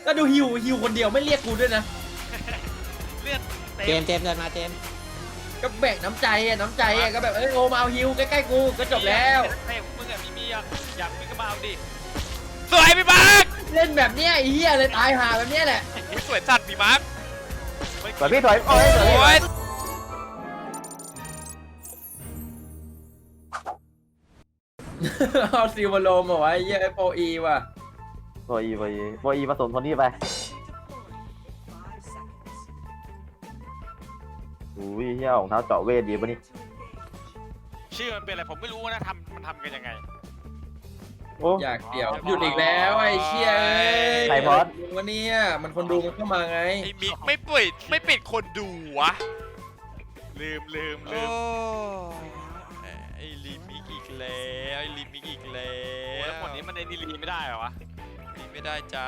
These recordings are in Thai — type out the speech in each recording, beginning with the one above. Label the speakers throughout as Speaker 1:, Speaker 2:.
Speaker 1: แล้วดูฮิวคนเดียวไม่เรียกกูด้วยนะ
Speaker 2: เลือด
Speaker 3: เจ
Speaker 2: เต็ม
Speaker 3: มส์เดินมาเจมส์
Speaker 1: ก็แบ่งน้ำใจก็แบบโอมาเอาฮิวใกล้ๆกูก็จบแล้ว
Speaker 2: เต็มมึงอะมีอยากมีก็มาเอาดิ
Speaker 4: สวยพี่มาร์ค
Speaker 1: เล่นแบบเนี้ยไอ้เหี้ยเลยตายหาแบบเนี้ยแหละ
Speaker 4: สวยจัดพี่มาร์ค
Speaker 5: สวยพี่สวยโอ้ยสวย
Speaker 4: โอ้ย
Speaker 1: เอาซิลมาโลมเอาไว้เหี้ยโปรอีว่ะ
Speaker 5: โบอีผสมคนนี้ไปอุ้ยเฮียของเท้าเจาะเวทดีปะนี่
Speaker 2: ชื่อมันเป็นอะไรผมไม่รู้นะมันทำกันยังไง
Speaker 5: โอ้
Speaker 1: อยากเดี่ยวหยุดอีกแล้วไอ้เชี่ย
Speaker 5: ไข่พอด
Speaker 1: วันนี้มันคนดูมันเข้ามาไง
Speaker 4: ไอ้มิกไม่ปิดคนดูวะ
Speaker 2: ลืม
Speaker 4: โอ้ไอ้ลิมิกอีกแล้ว
Speaker 2: แล้วหมดนี้มันในดีลีไม่ได้เหรอวะ
Speaker 4: ลิไม่ได้จ้า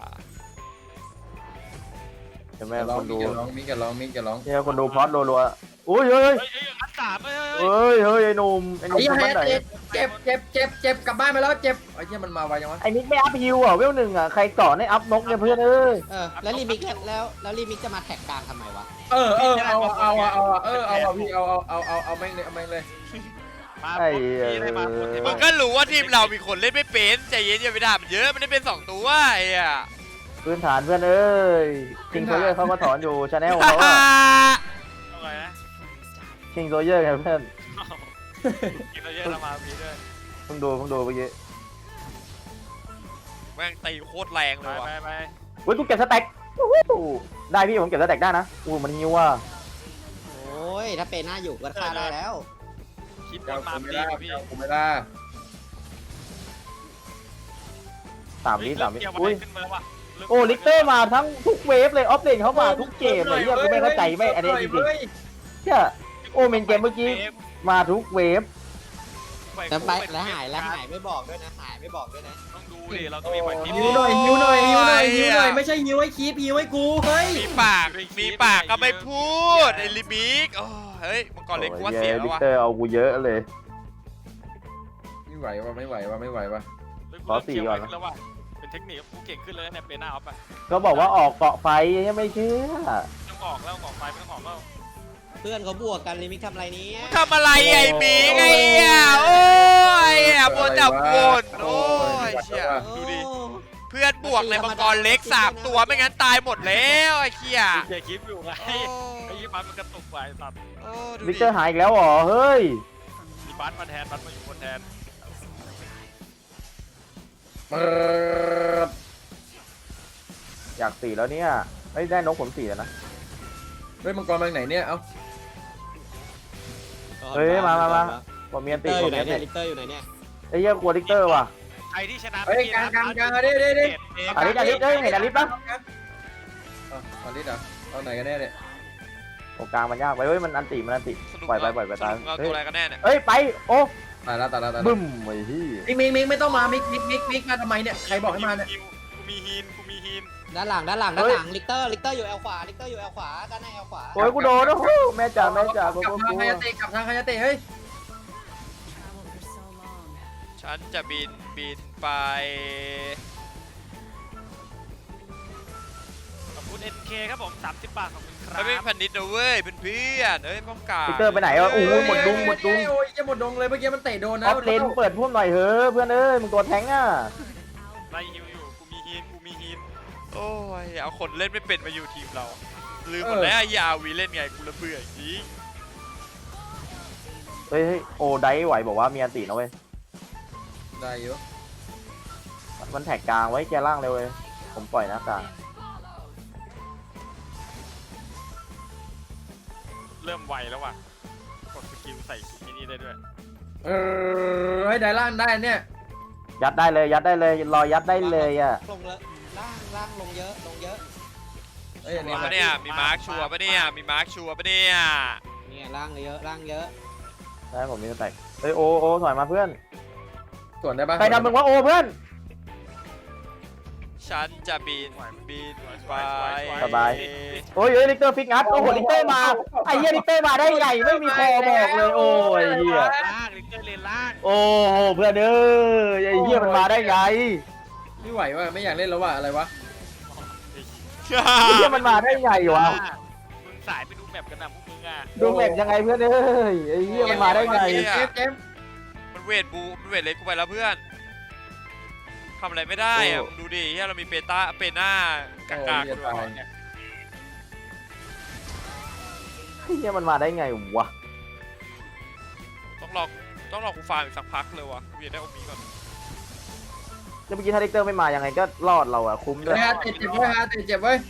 Speaker 5: ใช่ไหม
Speaker 1: ร้อ
Speaker 5: ค
Speaker 1: ง
Speaker 5: น
Speaker 1: มิ
Speaker 5: ดู
Speaker 1: กจะร้องมิกจะร้องมิกจะร้อง
Speaker 5: เนี่ยคนดูพอดรัวๆอุ้ยเฮ้ย
Speaker 2: อันสาม
Speaker 5: เฮ้ยไอ้หนุ่ม
Speaker 1: ไอ้
Speaker 5: คน
Speaker 1: เหี้ย
Speaker 5: บ้านไหน
Speaker 1: เจ็บกลับบ้านไปแล้วเจ็บไอ้เหี้ยมันมาไวยังวะ
Speaker 5: ไอ้มิกไม่อัพฮิวอ่ะเวลหนึ่งอ่ะใครสอนให้อัพนกเนี่ยเพื่อนเอ้ย
Speaker 3: แล้วรีมิกแล้วรีมิกจะมาแท็กกลางทำไมวะ
Speaker 1: เอาพี่เอาแม่งเลย
Speaker 2: มาพี่ได้มาคนเท
Speaker 4: มึงก็รู้ว่าทีมเรามีคนเล่นไม่เป็นใจเย็นอย่าไปด่ามันเยอะมันได้เป็น2ตัวไอ้อะ
Speaker 5: พื้นฐานเพื่อนเอ้ยคิงโซเยอร์เขาก็สอนอยู่ชาแนลเขาอ่ะ
Speaker 2: เอาไงนะ
Speaker 5: คิงโซเยอร์ไงเพื่อน
Speaker 2: กินเราเยอะเรามาพีด้วย
Speaker 5: เพิ่งดูเมื่อกี้
Speaker 4: แม่งตีโคตรแรงเลยว่ะ
Speaker 2: ไป
Speaker 5: เฮ้ยกูเก็บสแต็กได้พี่ผมเก็บสแต็กได้นะมันฮิวอ่ะ
Speaker 3: โอ้ยถ้าเป็นหน้าอยู่ก็ฆ่าได้แล้ว
Speaker 2: คลิปบ
Speaker 1: เจ้าน
Speaker 2: มา
Speaker 1: กู
Speaker 2: พี
Speaker 1: ไม่ได้
Speaker 2: พี่
Speaker 1: เจ้ากูไม่ได้
Speaker 5: 3 วิอุ้ย
Speaker 2: ขึ้นมาแล้วว่ะ
Speaker 5: โอ้ลิกเตอร์มาทั้งทุกเวฟเลยออฟเลนเขามาทุกเกมเลยเฮียกูไม่เข้าใจไม่อันนี้จริงๆเฮียโอ้เมนเกมเมื่อกี้มาทุกเวฟ
Speaker 3: แต่ไปแล้วหายไม่บอกด้วยนะหายไม่บอกด้วยนะ
Speaker 2: ต้องดูดิเราต้องมีไหวพริบ
Speaker 1: ฮิวหน่อยไม่ใช่ฮิวให้คีบฮิวให้กูเฮ้ย
Speaker 4: มีปากก็ไม่พูดไอ้ลิมิกโอ้เฮ้ยมังกรเล็กกูว่าเสียแล้
Speaker 5: ลิ
Speaker 4: ว
Speaker 5: ก
Speaker 4: วะ
Speaker 5: เตอร์เอากูเยอะเลย
Speaker 1: ไม่ไหววะ
Speaker 2: แล้วว่ะเป็นเทคนิคกูเก่งขึ้นเลยเนี่ยเป็นหน้าออฟอ่ะ
Speaker 5: ก็บอกว่าออกเกาะไฟยังไม่เชื่อ
Speaker 2: ต้องออกแล้วออกไปไม่ต้องออกแล้ว
Speaker 3: เพื่อนเขาบวกกันรีมิกทำอะไรนี้
Speaker 4: มึงทำอะไรไอ้มิกไอ้เหี้ยโอ้ยบนจับวนโอ้ยเชี่ยดูดิเพื่อนบวกในมังกรเล็ก3ตัวไม่งั้นตายหมดแล้วไอ้เหี้ย
Speaker 2: เกียร์คลิปอยู่ไงไอ้ยี่ปันมันกระตุกไปสัตว์
Speaker 4: โอ้ดู
Speaker 5: ลิก
Speaker 4: ดิ
Speaker 5: เตอร์หายอีกแล้วเหรอเฮ้ย
Speaker 2: มีบัสมาแทนบัสมาอยู่คนแทน
Speaker 1: เปิด
Speaker 5: อยาก4แล้วเนี่ยไม่ได้นกผล4แล้วนะ
Speaker 1: เฮ้ยมังกรมาไหนเนี่ยเอ้า
Speaker 5: เฮ้ยมาผมมีอัน
Speaker 3: เต
Speaker 5: ติ
Speaker 3: อร์อ
Speaker 5: ผม
Speaker 3: ยู่ไหน
Speaker 5: มีอัน
Speaker 3: เนี่ย
Speaker 5: ติ
Speaker 3: ลิกเตอร์อยู่ไหนเนี่ย
Speaker 5: ไอ้เหี้ยกลัวลิกเตอร์ว่ะ
Speaker 2: ใครที่ชนะ
Speaker 1: เฮ้ยกลางเด้
Speaker 5: อลิสเฮ้ยเห็นอลิสปะ
Speaker 1: อลิสอ่ะเอาไหนกันแน่เนี่ย
Speaker 5: โอ้กลางมันยากไปเฮ้ยมันอันติปล่อยไปตาม
Speaker 4: เอาตัวอะไรกันแน่เนี่ย
Speaker 5: เฮ้ยไปโอ้
Speaker 1: ตายแล้ว
Speaker 5: บึ้มไอ้ที่
Speaker 1: มิกไม่ต้องมามิกมาทำไมเนี่ยใครบอกให้มาเนี่ย
Speaker 2: กูมีฮีน
Speaker 3: ด้านหลังลิกเตอร์อยู่แอลขวาลิกเตอร์อยู่แอลขวาด้านในแอลขวา
Speaker 5: โอ้ยกูโดนโอ้โหแม่จ๋ากู
Speaker 1: กลับทางคายาเตะกลับทางคายาเตะเฮ้ย
Speaker 4: ฉันจะบินไป
Speaker 2: ขอบคุณ NK ครับผม30 บาทขอบคุณครับ
Speaker 4: ไม่เป็นพันนิดนะเว้ยเป็นเพื่อนเอ้ยป้องกัน
Speaker 5: ลิกเตอร์ไปไหนวะโอ้โหหมดดุง
Speaker 1: โอ้ยจะหมดดงเลยเมื่อกี้มันเตะโดน
Speaker 5: อ
Speaker 1: นะ
Speaker 5: อฟเลนเปิดพุ่มหน่อยเฮ้ยเพื่อนเอ้ยมึงตัวแทงอ่ะ
Speaker 2: ไล่ฮิวอยู่กูมีฮีน
Speaker 4: โอ้ยเอาคนเล่นไม่เป็นมาอยู่ทีมเราลืมหมดแล้วไอ้ยาวีเล่นไงกูระเบื่อจริง
Speaker 5: เฮ้ยโอ้ไดไหวบอกว่ามีอันตินะเว้ย
Speaker 1: ได้อยู่
Speaker 5: มันแท็กกลางไว้แกล่างเลยเว้ยผมปล่อยนะกลาง
Speaker 2: เริ่มไวแล้วว่ะกดสกิลใส่มินิได้ด้วย
Speaker 1: ให้ได้ล่างได้เนี่ย
Speaker 5: ยัดได้เลยรอยัดได้เลยอ่ะ
Speaker 3: ลงเลยล่างลงเยอะ
Speaker 1: เอ้ยอันนี้
Speaker 4: ปะเนี่ยมีมาร์คชัวร์ปะเนี่ยมีมาร์คชัวร์ปะเนี่ย
Speaker 3: เนี่ยล่างเยอะ
Speaker 5: ได้ผมมีสแต็กเฮ้ยโอ้ถอยมาเพื่อน
Speaker 1: ส่วนได้ปะ
Speaker 5: ใครทำมึงวะโอ้เพื่อน
Speaker 4: ฉันจะบินไป
Speaker 5: สบาย โอ้ยลิกเตอร์ฟิกงัดโอ้โหลิกเตอร์มาไอ้เหี้ยลิกเตอร์มาได้ไงไม่มีคอบอกเลยโอ้ยเหี้ย
Speaker 2: ล่างลิกเตอร์เลนล่าง
Speaker 5: โอ้โหเพื่อนเอ้ยไอ้เหี้ยมันมาได้ไง
Speaker 1: ไม่ไหวว่ะไม่อยากเล่นแล้วว่ะอะไรวะ
Speaker 5: ไอ้เหี้ยมันมาได้ไงวะ
Speaker 2: มึงสายไปดูแมปกันนะพวกมึงอ่ะ
Speaker 5: ดูแมปยังไงเพื่อนเอ้ยไอ้เหี้ยมันมาได้ไง
Speaker 1: เจมส์
Speaker 4: มันเวทเล็กกูไปแล้วเพื่อนทำอะไรไม่ได้อะมึงดูดิเฮียเรามีเปหน้ากากๆด้วย
Speaker 5: ไอ้เหี้ยมันมาได้ไงวะ
Speaker 4: ต้องรอกูฟาร์มอีกสักพักเลยวะกูอยากได้โอมีก่อน
Speaker 5: แล้วเมื่อกี้ถ้าเด็กเตอร์ไม่มายังไงก็รอดเราอะคุ้มด้วย
Speaker 1: เจ็บเว้ยเจ็บเว้ย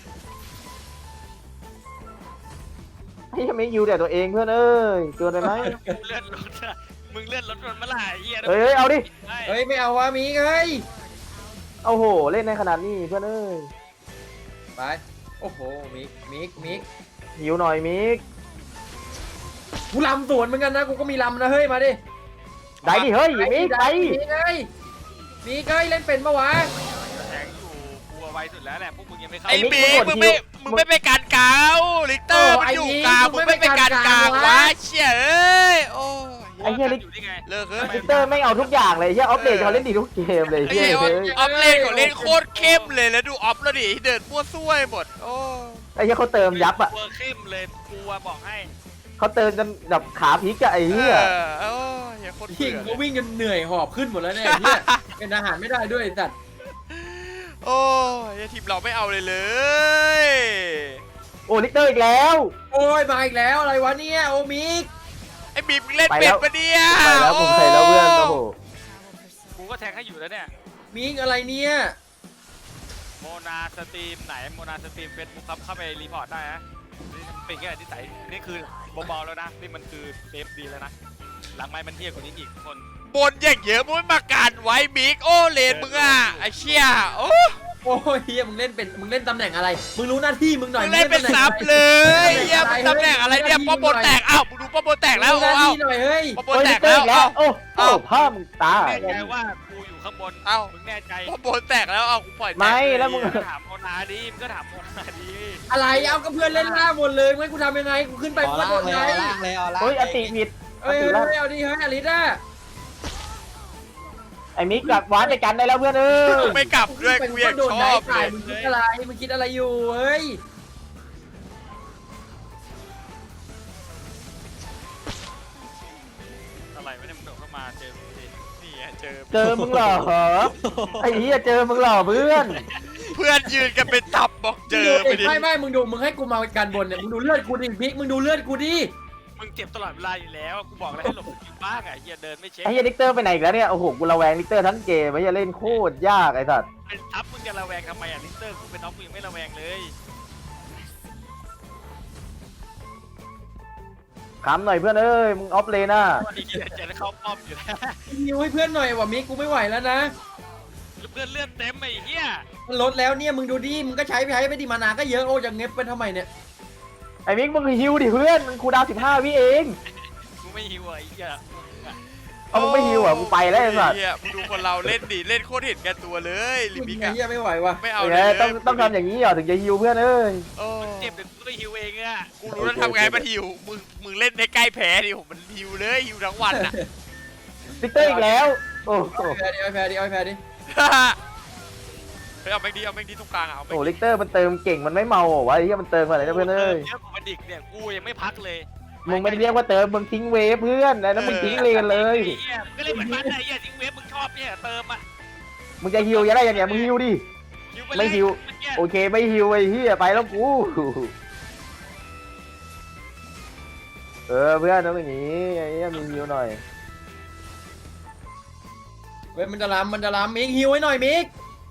Speaker 5: ไอ้เหี้ยไม่ยูแต่ตัวเองเพื่อนเอ้ยเกินไปไหม
Speaker 2: เลื่อนรถอะมึงเลื่อนรถมันเมื่อไหร่เฮีย
Speaker 5: เฮ้ยเอาดิ
Speaker 1: เฮ้ยไม่เอาวะมีเฮ้ย
Speaker 5: เอาโหเล่นในขนาดนี้เพื่อนเอ้ย
Speaker 1: ไปโอ้โหมิก
Speaker 5: หิวหน่อยมิก
Speaker 1: กูลำสวนเหมือนกันนะกูก็มีลำนะเฮ้ยมาดิ
Speaker 5: ได้ดิเฮ้ยมิกไป
Speaker 1: มีเฮ้ยเล่นเป็นปะวะ
Speaker 2: แทงอยู่กลัวไวสุดแล้วแหละพวกมึงยังไม่เข้า
Speaker 4: ไอ้บีมึงไม่ไปการกาวลิกเตอร์มันอยู่กลางมึงไม่ไปการกลางวะเชี่ยเอ้ยโอ้
Speaker 5: ไอ้เหี้ยลิก
Speaker 2: อยู่ได้ไง
Speaker 4: เลิกเฮ้ย
Speaker 5: เตอร์ไม่เอาทุกอย่างเลยเหี้ยออฟเลนเขาเล่นดีทุกเกมเลย
Speaker 4: ไอ้
Speaker 5: เหี้ย
Speaker 4: เหี้ย
Speaker 5: เฮ้ย
Speaker 4: ออฟเลนของเล่นโคตรเข้มเลยแล้วดูออฟแล้วดิเดินมั่วซั่วหมดโอ้
Speaker 5: ไอ้เหี้ยเขาเติมยับอะ
Speaker 2: กลัวเข้มเลยกลัวบอกให้
Speaker 5: เขาเติมจนแบบขาพลิกอะไอ้เหี้ย
Speaker 4: โอ้ยโคตร
Speaker 1: ยิ
Speaker 4: เบื่
Speaker 1: ง
Speaker 4: อ
Speaker 1: ก็วิ่งจนเหนื่อยหอบขึ้นหมดแล้วเนี่ยเนี่ยเป็นอาหารไม่ได้ด้วยสัตว์
Speaker 4: โอ้ยทีมเราไม่เอาเลยเลย
Speaker 5: โอ้ลิกเตอร์อีกแล้ว
Speaker 1: โอ้ยมาอีกแล้วอะไรวะเนี่ยโอมิก
Speaker 4: ไอ้บีมเล่นเป็นปะเนี่ย
Speaker 5: ไปแล้วผมใส่แล้วเพื่อนโอ้โห
Speaker 2: กูก็แทงให้อยู่แล้วเนี่ย
Speaker 1: มิกอะไรเนี่ย
Speaker 2: โมนาสตรีมไหนโมนาสตรีมเฟซบุ๊กครับเข้าไปรีพอร์ตได้นะนี่เป็นแค่นิสัยนี่คือเบาๆแล้วนะนี่มันคือเซฟดีแล้วนะหลังไม้มันเที่ยกว่านี้อีกทุกคน
Speaker 4: บนอย่างเยอะมึงไม่มาการไว้บิ๊กโอ้เลนมึงอ่ะไอ้เชี่ยโอ้
Speaker 1: โอ้ยเฮียมึงเล่นตำแหน่งอะไรมึงรู้หน้าที่มึงหน่อย
Speaker 4: มึงเล่นเป็นซับเลยเฮียมึงตำแหน่งอะไรเนี่ยป้อมบนแตกอ้าวมึงดูป้อมบนแตกแล้ว
Speaker 1: หน้า
Speaker 4: เอา
Speaker 1: ที่หน่อยเฮ้ย
Speaker 4: ป้อมบน
Speaker 5: โอ้ย
Speaker 4: แต
Speaker 5: ลิ
Speaker 4: ก
Speaker 5: กเตอ
Speaker 4: แล้ว
Speaker 5: ร์อีกแล้ว
Speaker 4: เอา
Speaker 5: โอ้ผ้ามึงตา
Speaker 2: แน่ใจว่ากูอยู่ข้างบน
Speaker 4: เอา
Speaker 2: มึงแน่ใจ
Speaker 4: ป้อมบนแตกแล้วเอากูปล่อย
Speaker 5: ไม่แล้วมึง
Speaker 2: ก็ถามโมนาดีมึงก็ถามโมนาดี
Speaker 1: อะไรเอากับเพื่อนเล่นล่าหมดเลยไม่กูทำยังไงกูขึ้นไป
Speaker 3: เอา
Speaker 1: กูก็
Speaker 3: ล่า
Speaker 1: โด
Speaker 3: ง
Speaker 1: น
Speaker 3: เลย
Speaker 1: ไง
Speaker 3: เอาล่างเลยเอาล่าง
Speaker 5: เฮ้ยอติผิด
Speaker 1: เอ้ยเอาดิเฮ้ยอลิซ่า
Speaker 5: ไอ้มิกกลับวานไปกันได้แล้วเพื่อนเอ้ย
Speaker 4: กูไม่กลับด้วยกูอยาก
Speaker 1: โดน
Speaker 4: ช
Speaker 1: ได้
Speaker 4: อบเล
Speaker 1: ถ่าย
Speaker 4: ย
Speaker 1: มึงคิดอะไรมึงคิดอะไรอยู่เฮ้ย
Speaker 2: อะไรไม่ได้มึงโดดเข้ามาเจอมึงดิ
Speaker 4: นี่ไงเจอ
Speaker 5: เจอมึงเหรอไอ้เหี้ยเจอมึงเหรอเพื่อน
Speaker 4: เพื่อนยืนกันเป็นตับบอกเจอไปดิ
Speaker 1: ไม่มึงดูมึงให้กูมากันบนเนี่ยมึงดูเลือดกูดิพิกมึงดูเลือดกูดิ
Speaker 2: มึงเจ็บตลอดเวลาอยู่แล้วกูบอกแล้วให้หลบอยู่บ้างอ่ะเฮียเดินไม่เช็ค
Speaker 5: ไอ้เหี้ยลิกเตอร์ไปไหนอีกแล้วเนี่ยโอ้โหกูระแวงลิกเตอร์ทั้งเกมไอ้เหี้ยเล่นโคตรยากไอ้สัส
Speaker 2: เป็นทับมึงจะระแวงทำไมอ่ะลิสเตอร์กูเป็นน้องมึงยังไม่ระแวงเลย
Speaker 5: ขำหน่อยเพื่อนเอ้ยมึงออฟเลนน่ะ
Speaker 2: วันนี้จะได้เข้าป้อมอยู่แล้ว
Speaker 1: ยิวให้เพื่อนหน่อยว่ะมิกกูไม่ไหวแล้วนะ
Speaker 2: เพื่อนเลื่อนเต็มไอ้เหี้ย
Speaker 1: มันลดแล้วเนี่ยมึงดูดิมึงก็ใช้ไปดิมานาก็เยอะโอ้จะเงียบไปทำไมเนี่ย
Speaker 5: ไอ้มิกมึงฮิวดิเพื่อนมึงคูลดาวน์15 วิเอง
Speaker 2: กูไม่หิวไอ้เหี้ย
Speaker 5: เอามึงไม่ฮิวอ่ะกูไปแล้วไอ้สัส
Speaker 4: เฮียมึงดูคนเราเล่นดิเล่นโคตรเห็นแก่ตัวเลยลิมิก
Speaker 1: ไอ้
Speaker 4: อะ
Speaker 1: เหี้ยไม่ไหวว่ะ
Speaker 4: ไม่เอา
Speaker 5: เอ
Speaker 4: เลย
Speaker 5: อต้องทำอย่างนี้เหรอถึงจะฮิวเพื่อนเอ้ย
Speaker 4: โอ้
Speaker 2: เจ็บเดี๋ยวกูไม่หิวเองอ่ะ
Speaker 4: กูรู้แล้วทำไงมาหิวมึงเล่นในใกล้แพ้ดิผมมันหิวเลยหิวทั้งวันอะ
Speaker 5: ลิกเตอร์อีกแล้วโอ้โห
Speaker 1: แพ้ดิแพ้ดิแพ้ดิ
Speaker 4: ไปเอาแม็กดีเอาแม็กดีตรงกลางอะเอาแม็ก
Speaker 5: โอ้
Speaker 4: ดี
Speaker 5: ลิกเตอร์มันเติมเก่งมันไม่เมาเหรอวะไอ้เหี้ยมันเติมอะไรนะเพื่อนเอ้ย
Speaker 2: เยอะกว่าดิกเนี่ยกูยังไม่พักเลย
Speaker 5: มึงไม่ได้เรียกว่าเติมมึงทิ้งเวฟเพื่อนแล้วมึงทิ้งเลนเลย
Speaker 2: ไอ้เหี้ยมึงก็เล่นเหมือนมันไอ้เหี้ยทิ้งเว็บมึงชอบเนี่ยเติมอ่ะ
Speaker 5: มึงจะฮิวยังไงอย่างเงี้ยมึงฮิวดิ
Speaker 2: หิวป
Speaker 5: ไม่หิว โอเคไม่ฮิวไอ้เหี้ยไปแล้วกูเออเพื่อนต้องอย่างนี้ไอ้เหี้ยมีฮิวหน่อย
Speaker 1: เว้ยมันจะล้ำมิกฮิวให้หน่อยมิก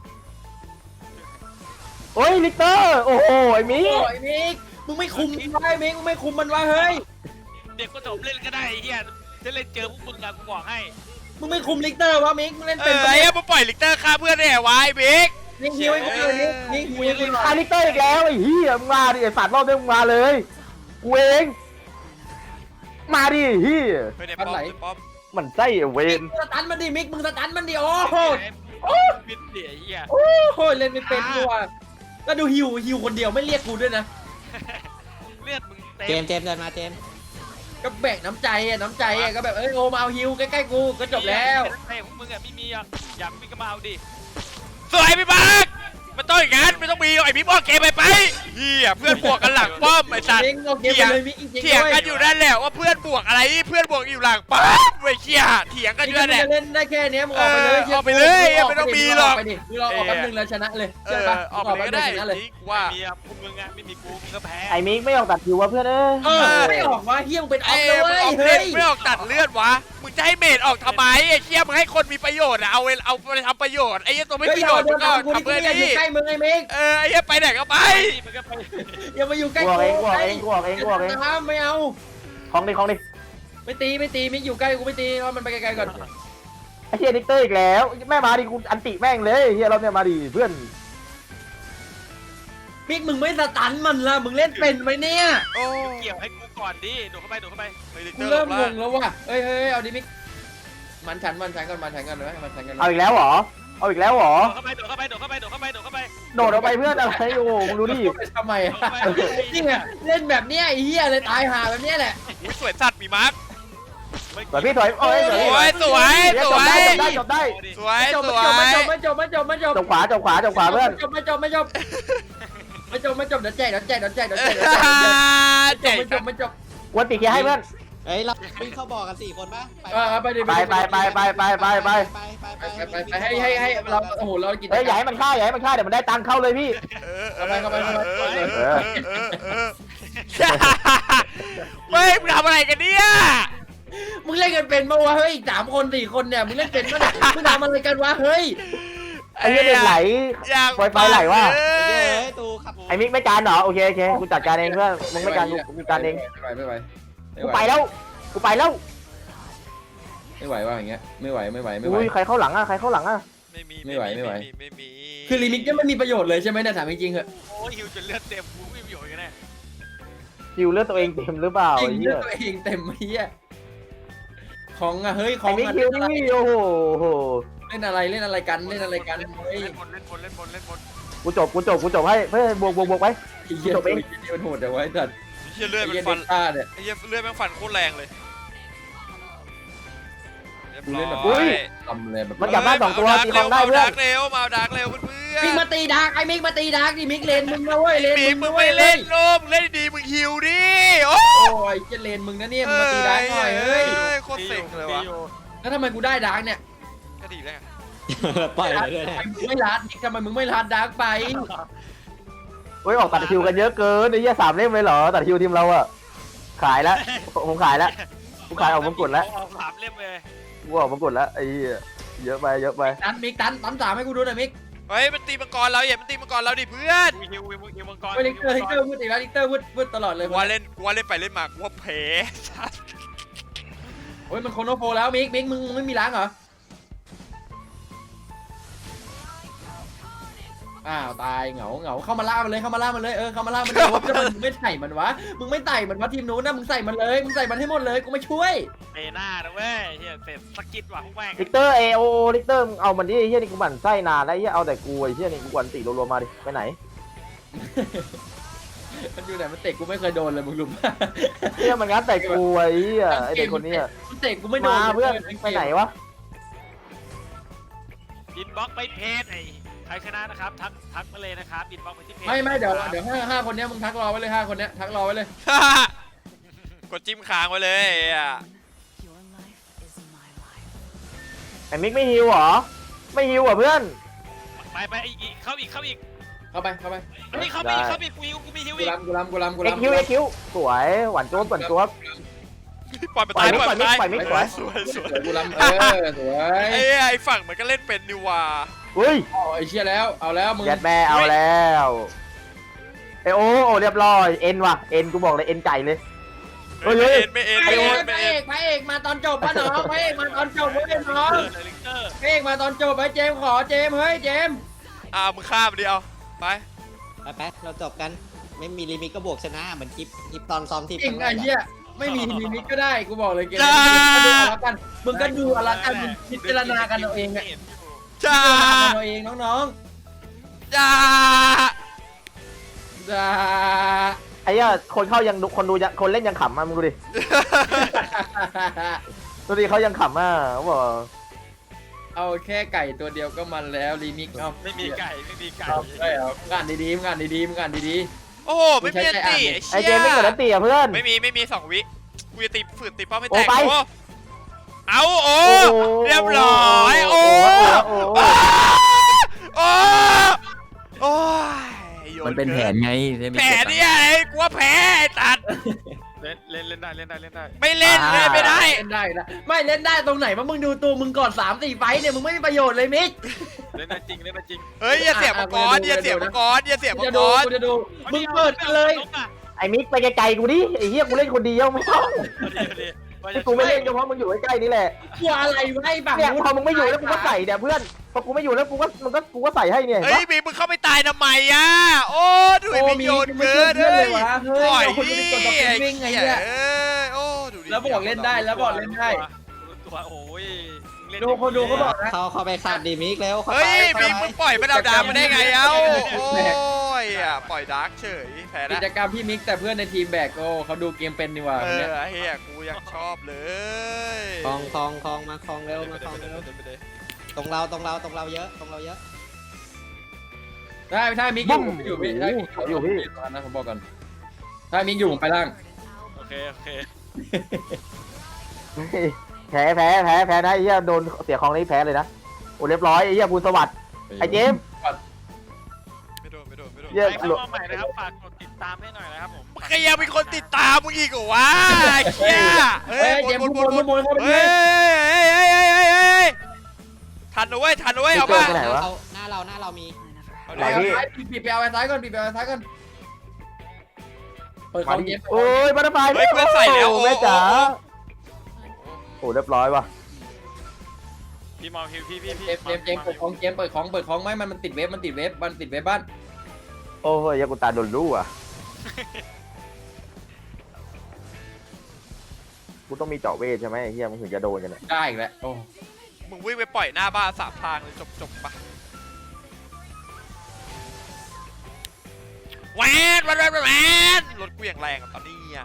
Speaker 5: โอ้ยลิกเตอร์โอ้โหไอ้มิ
Speaker 1: โอ้ยมิกมึงไม่คุมมันไว้มิกมึงไม่คุมมันไว้เฮ้ย
Speaker 2: เด็กก็จบเล่นก็ได้ไอ้เหี้ยจะเล่นเจอพวกมึงอะกูบอกให้
Speaker 1: มึงไม่คุมลิกเตอร์วะมิกมึงเล่น
Speaker 4: เอ
Speaker 1: เป็น
Speaker 4: อไอ้เหี้ยมาปล่อยลิกเตอร์ฆ่าเพื่อนได้ไงวะไอ้บิ๊ก
Speaker 1: มิกฮิวให้กูเลยมิกฮิวให้กูหน่อ
Speaker 5: อ่ะ
Speaker 1: ย
Speaker 5: ลิกเตอร์อีกแล้วไอ้เหี้ยมึงมาดิไอ้สัตว์รอบนี้มึงมาเลยกูเองมาดิเหี้ย
Speaker 4: ไปในป้อมในป้อม
Speaker 5: มันไส้ไอ้เว
Speaker 1: มิก
Speaker 5: น
Speaker 1: มึงสตันมันดิมิกมึงสตันมันดิโอ้โห
Speaker 2: บิดเดี่ยไอ้เหี้ย
Speaker 1: โอ้โหเล่นไม่เป็นกูอ่ะแล้วดูฮิวคนเดียวไม่เรียกกูด้วยนะ
Speaker 2: เลือดมึงเต็
Speaker 3: เจมส์เดินมาเจมส์
Speaker 1: ก็แบ่งน้ำใจก็แบบโอมาเอาฮิวใกล้ๆกูก็จบแล้ว
Speaker 2: ไอ้ของมึงอะไม่มีอะอยากมีก็มาเอาดิ
Speaker 4: สวยพี่บักมันต้องอย่างนั้นไม่ต้องมีไอ้บิ๊กบอกเกมไปเฮียเพื่อนบวกกันหลังป้อมไอ้สัตว์
Speaker 1: เองโอเคไปเลยมิกจริงๆ
Speaker 4: เถียงกันอยู่นั่นแหละว่าเพื่อนบวกอะไรเพื่อนบวกอยู่หลังป้อมไอ้เชี่ยเถียงกันอยู่นั่นแหละ
Speaker 1: เล่นได้แค่นี้มึงออกไปเลย
Speaker 4: ออกไปเลยไม่ต้องมีหรอก
Speaker 1: ไปดิมึงรอออกแป๊บนึงแล้วชนะเลยเชื่อปะ
Speaker 4: ออกไปเลยก็ได้
Speaker 1: ชนะเลย
Speaker 4: นี่ว่า
Speaker 2: มีอ่ะพวกมึงอ่ะไม่มีกูมึงก็แพ้
Speaker 5: ไอ้มิกไม่ออกตัดคิววะเพื่อนเอ้ย
Speaker 1: ไม่ออกว่าเฮี้ยมเป็นออ
Speaker 4: ไอ้
Speaker 1: ฟเลย
Speaker 4: มึงออก
Speaker 1: เฮ้
Speaker 4: เล่น
Speaker 1: ย
Speaker 4: ไม่ออกตัดเลือดวะมึงจะให้เมดออกทำไมไอ้เชี่ยมึงให้คนมีประโยชน์เอาไปทำประโยชน์ไอ้ตัวไม่ประโยชน์มึงก็ทำเพื่อน
Speaker 1: อย่าอยู่
Speaker 4: นี่
Speaker 1: ใกล้มึงไอ้เมก
Speaker 4: ไอ้เหี้ยไปไหนก็ไป
Speaker 2: มึงก็ไป
Speaker 1: อย่ามาอยู่ใกล้
Speaker 5: กูออกเอง
Speaker 1: ไม่เอา
Speaker 5: ของดิ
Speaker 1: ไม่ตีมิกอยู่ใกล้กูไม่ตีเอามันไปไกลๆก่อน
Speaker 5: ไอ้เฮียดิกเตอร์อีกแล้วแม่มาดิกูอันติแม่งเลยเฮียเราเนี่ยมาดิเพื่อน
Speaker 1: มิกมึงไม่สตันมันละมึงเล่นเป็นไหมเนี่ย
Speaker 4: โอ้
Speaker 2: เกี่ยวให้กูก่อนดิโดดเข้าไป
Speaker 4: ไม่ได้
Speaker 1: กู
Speaker 4: เจอ
Speaker 1: เริ่ม
Speaker 4: ห
Speaker 1: ง
Speaker 4: รอก
Speaker 1: งแล้วว่ะเฮ้ยเอาดิมิกมันฉันก่อนเลยไหมมันฉันกัน
Speaker 5: เอาอีกแล้วเหรอเอาอีกแล้วเหรอ
Speaker 2: โดดเข้าไปโดดเข้าไปโดดเข้าไปโดดเข้าไปโดดเข้าไป
Speaker 5: โดดออกไปเพื่อนอะไรโอ้โหมึงดูดิ
Speaker 1: ทำไมนี่ไงเล่นแบบเนี้ยไอ้เหี้ยเลยตายห่าแบบเนี้ยแหละ
Speaker 4: อุ้ยสวยสัตว์มีมาร์ค
Speaker 5: สวยพี่สวยโอ้ย
Speaker 4: สวย
Speaker 5: จบได้
Speaker 4: สวย
Speaker 1: จบ
Speaker 4: สวย
Speaker 1: ไม่จบ
Speaker 5: จบขวาเพื่อน
Speaker 1: ไม่จบเดี๋ยวแจกไม่จบ
Speaker 5: วันติเคลียร์ให้เพื่อน
Speaker 3: เฮ้ยเราวิ่งเข้าบอกกัน4 คนปะ
Speaker 1: ไปดิ
Speaker 5: ไป
Speaker 1: ให้เราโอ้โหเรากิน
Speaker 5: เฮ้ยอย่าให้มันฆ่าเดี๋ยวมันได้ตังค์เข้าเลยพี่
Speaker 4: เฮ้ยมึงทำอะไรกันเนี่ย
Speaker 1: มึงเล่นกันเป็นปะวะเฮ้ย3 คน4 คนเนี่ยมึงเล่นเป็นปะเนี่ยมึงทำอะไรกันวะเฮ้ย
Speaker 5: ไอ้เด็กไหล ไฟไหลวะ
Speaker 3: เฮ้ยตูครับ
Speaker 5: ไอ้มิกไม่การเหรอโอเคกูจัดการเองเพื่อนมึงไม่การกูการเองกูไปแล้วไม่ไหวว่ะอย่างเงี้ยไม่ไหวอุ้ยใครเข้าหลังอ่ะ
Speaker 4: ไม่มี
Speaker 1: คือลิมิตก็ไม่มีประโยชน์เลยใช่ไหมเนี่ยถามจริงๆเหอะ
Speaker 2: โอ้ยฮิวจนเลือดเต็มกูไม่มีประโยชน์กันแน่
Speaker 5: คิวเลือดตัวเองเต็มหรือเปล่า
Speaker 1: จริง
Speaker 5: ไอ้
Speaker 1: เลื
Speaker 5: เหี้
Speaker 1: อย ดตัวเองเต็มเฮียของอะเฮ้ยขอ
Speaker 5: ไอ้
Speaker 1: ง
Speaker 5: มิกคิวนี่โอ้โห
Speaker 1: เล่นอะไรกันเฮ้ย
Speaker 2: เล่นบน
Speaker 5: กูจบให้เพื่อนบวกไป
Speaker 1: เฮียตัวนี้มันโหดแต่ว่าจัด
Speaker 4: เหี้ยเลือด
Speaker 1: เฮี
Speaker 4: มั
Speaker 1: ย
Speaker 4: น
Speaker 1: เด็
Speaker 4: ฟัน
Speaker 1: กต้าเนี่ย
Speaker 4: ไอ้เหี้ยเลือดมันฟันโคตรแรงเลยเรียบ
Speaker 1: กู
Speaker 4: ร้
Speaker 1: เล่นแบบ
Speaker 4: อย
Speaker 1: ทำเลยแบบ
Speaker 5: มันกลับบ้าน2 ตัวตีของได้เพื่อน
Speaker 4: มาเร็วเพื่อน
Speaker 1: มิกมาตีดาร์กไอ้มิกมาตีดาร์กดิมิกเลนมึงนะเว้ยเลน
Speaker 4: ปีมึงไม่เล่นโลมเล่นดีมึงหิวดิโอ้
Speaker 1: โอ้ยจะเลนมึงนะเนี่ยมึงมาตีดาร์กหน่อยเฮ้ย
Speaker 4: โคตรเซ็งเลยวะ
Speaker 1: แล้วทำไมกูได้ดาร์กเนี่ย
Speaker 4: ก็ดีแล้ว
Speaker 3: ปล่อยเลยด้วย
Speaker 1: ทำไมมึงไม่รัดมิกทำไมมึงไม่รัดดาร์กไป
Speaker 5: เฮ้ยออกตัดคิวกันเยอะเกินไอ้เหี้ย3 เล่มเลยเหรอตัดคิวทีมเราอะขายแล้วผมขายแล้วกูขายออกมงกุฎแล้ว
Speaker 2: เอา3 เล่มเลย
Speaker 5: กูออกมงกุฎแล้วไอ้เหี้ยเยอะไป
Speaker 1: ตันมิกตัน3ให้กูดูหน่อยมิก
Speaker 4: เฮ้ยมันตีมังกรเราอย่ามันตีมังกรเราดิเพื่อน
Speaker 2: ฮิวมังกร
Speaker 1: ลิกเตอร์พูดอีกแล้วลิกเตอร์พูดตลอดเลย
Speaker 4: กูว่าเล่นไปเล่นมากูว่าแพ้
Speaker 1: โอ้ยมันโคโนโฟแล้วมิกมึงไม่มีล้างเหรออ้าวตายเหงาเข้ามาล่ามันเลยเข้ามาล่ามันเลยเข้ามาล่ามันเลยว่ามึงไม่ใส่มันวะมึงไม่ใส่มันวะทีมนู้นนะมึงใส่มันเลยมึงใส่มันให้หมดเลยกูไม่ช่วย
Speaker 2: เตะหน้านะเว้ยเฮียเสร็จสกิดว่ะพวกแม่ง
Speaker 5: ลิกเตอร์ลิกเตอร์มึงเอามันดิไอ้เหี้ยนี่กูหมั่นไส้นานแล้วไอ้เหี้ยเอาแต่กูไอ้เหี้ยนี่กูกวนติรัวๆมาดิไปไหน
Speaker 1: มันอยู่ไหนมันเตะกูไม่เคยโดนเลยมึงรู้ป่ะ
Speaker 5: เหี้ยมันงัดแต่กูไอ้เหี้ยไอ้เด็กคนนี้
Speaker 1: มันเตะกูไม่โดน
Speaker 5: มาเพื่อนไปไหนวะ
Speaker 2: อินบ็อกไปเพจไอ้ใครชนะนะครับทักมาเลยนะครับอินบ็อกไปที่เพจ
Speaker 1: ไม่เดี๋ยวห้าคนนี้มึงทักรอไว้เลย5 คนนี้ทักรอไว้เลย
Speaker 4: กดจิ้มค้างไว้เลยอ่ะ
Speaker 5: ไอ้มิกไม่ฮิวเหรอไม่ฮิวเหรอเพื่อน
Speaker 2: ไปอีกเข้าอีก
Speaker 1: เข้าไป
Speaker 2: เฮ้ยเข้าอีกกูมีฮิว
Speaker 1: กู
Speaker 2: อีก
Speaker 1: รำ
Speaker 5: เอ็กคิวสวยหวานโจ๊ก
Speaker 4: ปล่อยไปตายสวย
Speaker 1: กูรำสวย
Speaker 4: ไอ้ฝั่งมันก็เล่นเป็นดีว่า
Speaker 5: อุ้ย
Speaker 1: ไอ้เชี่ยแล้วเอาแล้วมึง
Speaker 5: ยัดแม่เอาแล้วโอ้เรียบร้อยเอ็นว่ะเอ็นกูบอกเลยเอ็นไก่เลย
Speaker 4: ไม่
Speaker 1: พระเอกมาตอนจบป่ะน้องพระเอกมาตอนจบเว้ยน้องพระเอกมาตอนจบไปเจมขอเจมเฮ้ยเจม
Speaker 4: มึงฆ่ามันดิเอาไป
Speaker 3: ไปเราจบกันไม่มีลิมิตก็บวกชนะเหมือนคลิปตอนซ้อมที่
Speaker 1: จริงไอ้เหี้ยไม่มีลิมิตก็ได้กูบอกเลยเกมนี้มึงก็ดูเอาละกันมึงพิจารณากันเอาเองอะ
Speaker 4: จ้า
Speaker 1: เอาเองน้อง
Speaker 4: จ้า
Speaker 1: จ้า
Speaker 5: ไอ้เหี้ยคนเข้ายังคนดูคนเล่นยังขำอ่ะมึงดูดิดูดิเขายังขำอ่ะเขาบอก
Speaker 1: เอาแค่ไก่ตัวเดียวก็มันแล้วรีมิกเอา
Speaker 2: ไม่มีไก่ไม่มีไก่
Speaker 1: เอาได้เอางานดีๆงานดีๆงานดี
Speaker 4: โอ้โหไม่มีอันตี
Speaker 5: ไอเจมไม่เกิดอันตีอ่ะเพื่อน
Speaker 4: ไม่มี2 วิกูจะตีฝืนตีเป้าไม่แตก
Speaker 5: โอ้ไป
Speaker 4: โอ้เอาโอ้เรียบร้อยโอ้ โอ้โอ้ยโย
Speaker 6: มันเป็นแผนไงได้มี
Speaker 4: แผนเนี่ยไอ้กูว่าแพ้ไอ้ตัด
Speaker 2: เล่นได้
Speaker 4: ไม่เล่นเลยไม่ได้
Speaker 1: เล่นได้นะไม่เล่นได้ตรงไหนว่ามึงดูตัวมึงก่อน3-4 ไฟต์เนี่ยมึงไม่มีประโยชน์เลยมิก
Speaker 2: เล่นได้จริง
Speaker 4: เฮ้ยอย่าเสียบมังกรอย่าเสียบมังกรอย่าเสียบมั
Speaker 1: จะ
Speaker 4: งก
Speaker 1: ดู
Speaker 4: ร
Speaker 1: กูจะดูมึงเปิดกันเลย
Speaker 5: ไอมิกไปไกลๆกูดิไอเหี้ยกูเล่นคนเดียวไม่ต้องที่กูไม่เล่นก็เพราะมึงอยู่ใกล้ๆนี่แหละ
Speaker 1: กลัวอะไรวะไอ้ฝั่ง
Speaker 5: เนี่ย
Speaker 1: นู้น
Speaker 5: พอมึงไม่อยู่แล้วกูก็ใส่เนี่ยเพื่อนพอกูไม่อยู่แล้วกูก็ใส่ให้เนี่ย
Speaker 4: เฮ้ยมีมึงเข้าไปตายทำไมอ่ะโอ้ดูไอ้มิโยนเกิน
Speaker 1: เล
Speaker 4: เลย
Speaker 1: วะเฮ้ย
Speaker 4: ปล่อย
Speaker 1: เราคน
Speaker 4: ดิ
Speaker 1: ดูดิกดต่อวิ่งไงเนี่ย
Speaker 4: เอ้ยโอ้ดูดิ
Speaker 1: แล้วบอกเล่นได้แล้วบอกเล่นได้
Speaker 2: ตัวโอ้ย
Speaker 1: ดูคนดูเขาบอกนะ
Speaker 3: เข้าไปขัดดีมิกแล้วเข้า
Speaker 4: เฮ้
Speaker 3: ไป
Speaker 4: ย
Speaker 3: เข้า
Speaker 4: มิก
Speaker 3: ไป
Speaker 4: มึงปล่อยมันเอาดาวมาได้ไงเอ้าโอ้
Speaker 1: แหม่
Speaker 4: ยอ่ะปล่อยดาร์กเฉยแพ้
Speaker 1: กิ
Speaker 4: นะ
Speaker 1: จกรรมพี่มิกแต่เพื่อนในทีมแบกโอ้เขาดูเกมเป็นดีกว่า
Speaker 4: เอ
Speaker 1: เนี่ย
Speaker 4: อเฮียกูยังชอบเลย
Speaker 3: คลองมาคลองเร็วมาคลองเร็วตรงเราเยอะตรงเราเยอะ
Speaker 1: ได้ถ้ามิกอยู่พี่ถ้ามิกอยู่พี่นะผมบอกก่อนถ้ามิกอยู่ผมไปล่าง
Speaker 2: โอเค
Speaker 5: แพ้นะไอ้เหี้ยโดนเสียของนี้แพ้เลยนะโอ้เรียบร้อยไอ้เหี้ยบุญสวัสดิ์ไอ้เจม
Speaker 4: ไม่โดน
Speaker 5: เหี้ย
Speaker 2: ใครเข้ามาใหม่นะครับฝากกดติดตามให้หน่อยนะครับผม
Speaker 4: ใครยังมีคนติดตามมึงอีกเหรอวะไอ้เฮีย
Speaker 1: เฮ้ยเจมส์บนเข้าไป
Speaker 4: เฮ้
Speaker 1: เลย
Speaker 4: ยทันนะเว้ยเอา
Speaker 5: เจ
Speaker 4: ป่ะ
Speaker 5: อไปไหนวะ
Speaker 3: หน้าเรามี
Speaker 5: ไหนพี่
Speaker 1: ปิดไปเอาไว้ซ้ายก่อนปิดไปเอาไว้ซ้ายก่อนเปิดของเจมส์
Speaker 5: โอ้ยบัตรไฟแม่จ๋าโอ้เรียบร้อยว่ะ
Speaker 2: พี่มองพี่
Speaker 1: เจมส์เปิดของเจมส์เปิดของไม่มันติดเว็บมันติดเว็บบ้าน
Speaker 5: โอ้ยยากุตาโดนรู้อ่ะกูต้องมีเจาะเวทใช่ไหมไอ้เฮียมึงถึงจะโดนกันเนี่ย
Speaker 1: ได้อีกแล้วโอ้
Speaker 4: มึงวิ่งไปปล่อยหน้าบ้าน3 ทางเลยจบปะแวนรถกูอย่างแรงอะตอนนี้อ่ะ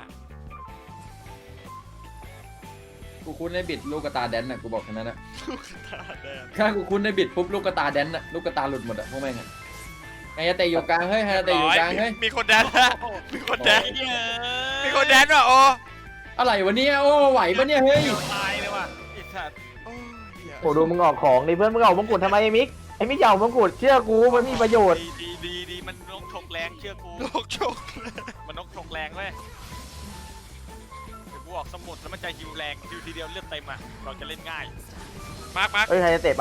Speaker 1: กูคุ้นในบิดลูกกระตาแดนน่ะกูบอกแค่นั้นนะถ้ากูคุ้นในบิดปุ๊บลูกกระตาแดนน่ะลูกกระตาหลุดหมดอะพวกแม่งอะไฮยาเตะอยู่กลางเฮ้ยไฮยาเตะอยู่กลางเฮ้ย
Speaker 4: มีคนแดนนะมีคนแดนว่ะโอ้
Speaker 1: อะไรวะเนี่ยโอ้ไหวปะเนี่ยเฮ้ย
Speaker 2: ตายเลยว่ะไอ้สัตว์
Speaker 5: โอ้ดูมึงออกของดิเพื่อนมึงเอามงกุฎทำไมไอ้มิกไอ้มิกเอามงกุฎเชื่อกูมันมีประโยชน์
Speaker 2: ดีมันนกชกแรงเชื่อกู
Speaker 4: โลกโชค
Speaker 2: มันนกชกแรงเว้ยเดี๋ยวกูออกสมุดแล้วมันจะฮิวแรงฮิวทีเดียวเลือดเต็มอ่ะเราจะเล่นง่าย
Speaker 4: มาร์ค
Speaker 5: เอ้ยใครจะเตะไป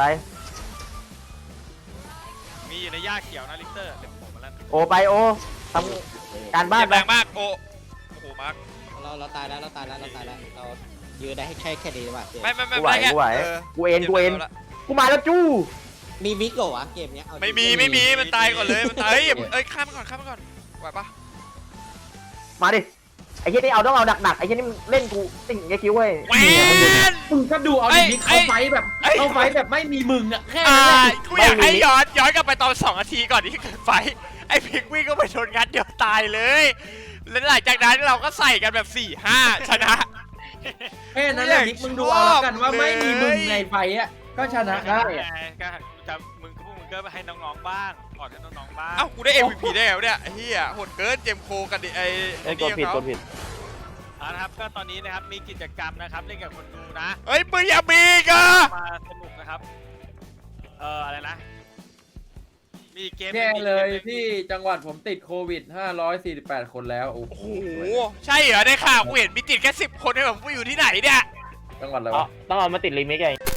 Speaker 2: มีอยู่ในหญ้าเขียวนะลิกเตอร์เดี๋ยวผมมาแล้ว
Speaker 5: โอไปโอทำการบ้าน
Speaker 4: เจ็บ
Speaker 5: ไป
Speaker 4: แรงมากโอ้โหมาร์ค
Speaker 3: เราตายแล้วเรายืนได้ให้แค่ดีว่ะ
Speaker 4: ไม่
Speaker 5: กูไหวกูเอ็นกูมาแล้วจู้
Speaker 3: มีมิกเหรอวะเกมเนี้ย
Speaker 4: ไม่มีมันตายก่อนเลยมันตายเอ้ยข้ามมันก่อนไหวปะ
Speaker 5: มาดิไอ้เหี้ยนี่เอาต้องเอาหนักๆไอ้เหี้ยนี่เล่นกูติ่งไอ้คิ้วเว้ย
Speaker 4: แวน
Speaker 1: มึงก็ดูเอาดิมิกเข้าไฟแบบเข้าไฟแบบไม่มีมึงอะแค่
Speaker 4: อ่า
Speaker 1: นั้นแหละ
Speaker 4: กูอยากให้ย้อนกลับไปตอน2 นาทีก่อนที่เกิดไฟไอ้พิกวิ่งก็ไปชนงัดเดียวตายเลยแล้วหลังจากนั้นเราก็ใส่กันแบบ 4-5 ชนะ
Speaker 1: แค่นั้นแหละมิกมึงดูเอาแล้วกันว่าไม่มีมึงในไฟอะก็ชนะได้
Speaker 2: ก็จะพวกมึงก็ให้น้องๆบ้างก่อนให้น้องๆบ้าง
Speaker 4: เอ้ากูได้ MVP ได้แล้วเนี่ยเฮียโหดเกินเจมโคกันดิไอ้
Speaker 5: กดผิด
Speaker 2: นะครับก็ตอนนี้นะครับมีกิจกรรมนะครับเล่นกับคนดูนะ
Speaker 4: เฮ้ยมึงอย่ามีกะ
Speaker 2: มาสนุกนะครับอะไรนะมีเกม
Speaker 1: แค่เลยที่จังหวัดผมติดโควิด548 คนแล้วโอ้
Speaker 4: โอ้โหใช่เหรอได้ข่าวกูเห็นมีติดแค่10 คนให้แบบกูอยู่ที่ไหนเนี่ย
Speaker 1: จังหวัดอะไรวะ
Speaker 5: ต้องเอามาติดลิมิกไง